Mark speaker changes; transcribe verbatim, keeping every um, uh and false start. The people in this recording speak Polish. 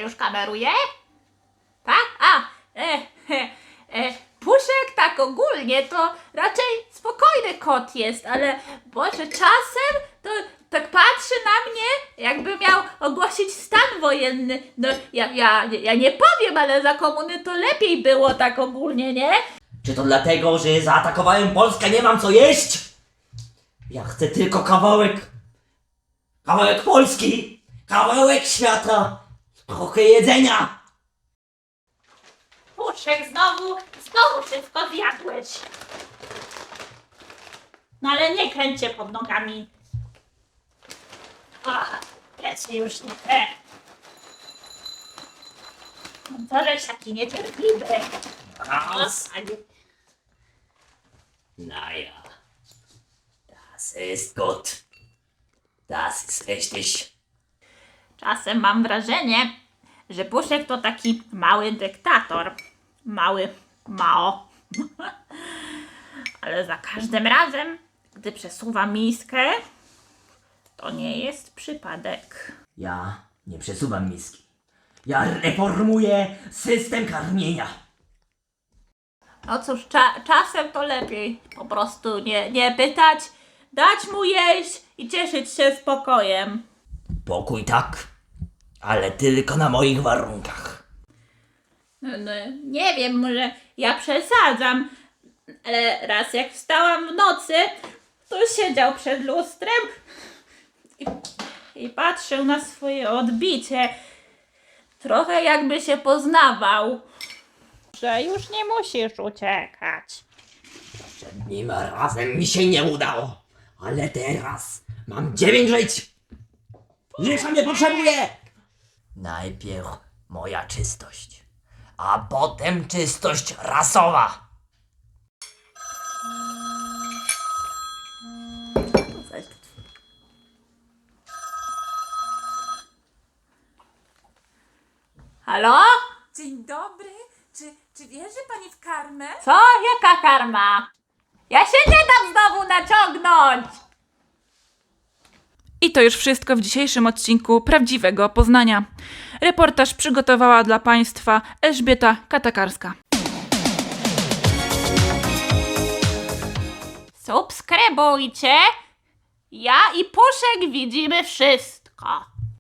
Speaker 1: już kameruje? Tak? A, e, e, e, Puszek tak ogólnie to raczej spokojny kot jest, ale Boże, czasem to tak patrzy na mnie, jakby miał ogłosić stan wojenny. No ja, ja, ja nie powiem, ale za komuny to lepiej było tak ogólnie, nie?
Speaker 2: Czy to dlatego, że zaatakowałem Polskę, nie mam co jeść? Ja chcę tylko kawałek... Kawałek Polski! Kawałek świata! Trochę jedzenia!
Speaker 1: Puszek, znowu, znowu wszystko zjadłeś. No ale nie kręć się pod nogami. Ach, jest już nie te. No to żeś taki niecierpliwy.
Speaker 2: Raus!
Speaker 1: A nie-
Speaker 2: Naja, das ist gut. Das ist richtig.
Speaker 1: Czasem mam wrażenie, że Puszek to taki mały dyktator. Mały Mao. Ale za każdym razem, gdy przesuwa miskę, to nie jest przypadek.
Speaker 2: Ja nie przesuwam miski. Ja reformuję system karmienia.
Speaker 1: No cóż, cza- czasem to lepiej po prostu nie, nie pytać, dać mu jeść i cieszyć się spokojem.
Speaker 2: Pokój tak, ale tylko na moich warunkach.
Speaker 1: No, no, nie wiem, może ja przesadzam, ale raz jak wstałam w nocy, to siedział przed lustrem i, i patrzył na swoje odbicie. Trochę jakby się poznawał, że już nie musisz uciekać.
Speaker 2: Poprzednim razem mi się nie udało, ale teraz mam dziewięć żyć. Życia nie potrzebuję. Najpierw moja czystość, a potem czystość rasowa.
Speaker 1: Halo?
Speaker 3: Dzień dobry. Czy, czy wierzy pani w karmę?
Speaker 1: Co? Jaka karma? Ja się nie dam znowu naciągnąć!
Speaker 3: I to już wszystko w dzisiejszym odcinku Prawdziwego Poznania. Reportaż przygotowała dla Państwa Elżbieta Katakarska.
Speaker 1: Subskrybujcie. Ja i Puszek widzimy wszystko.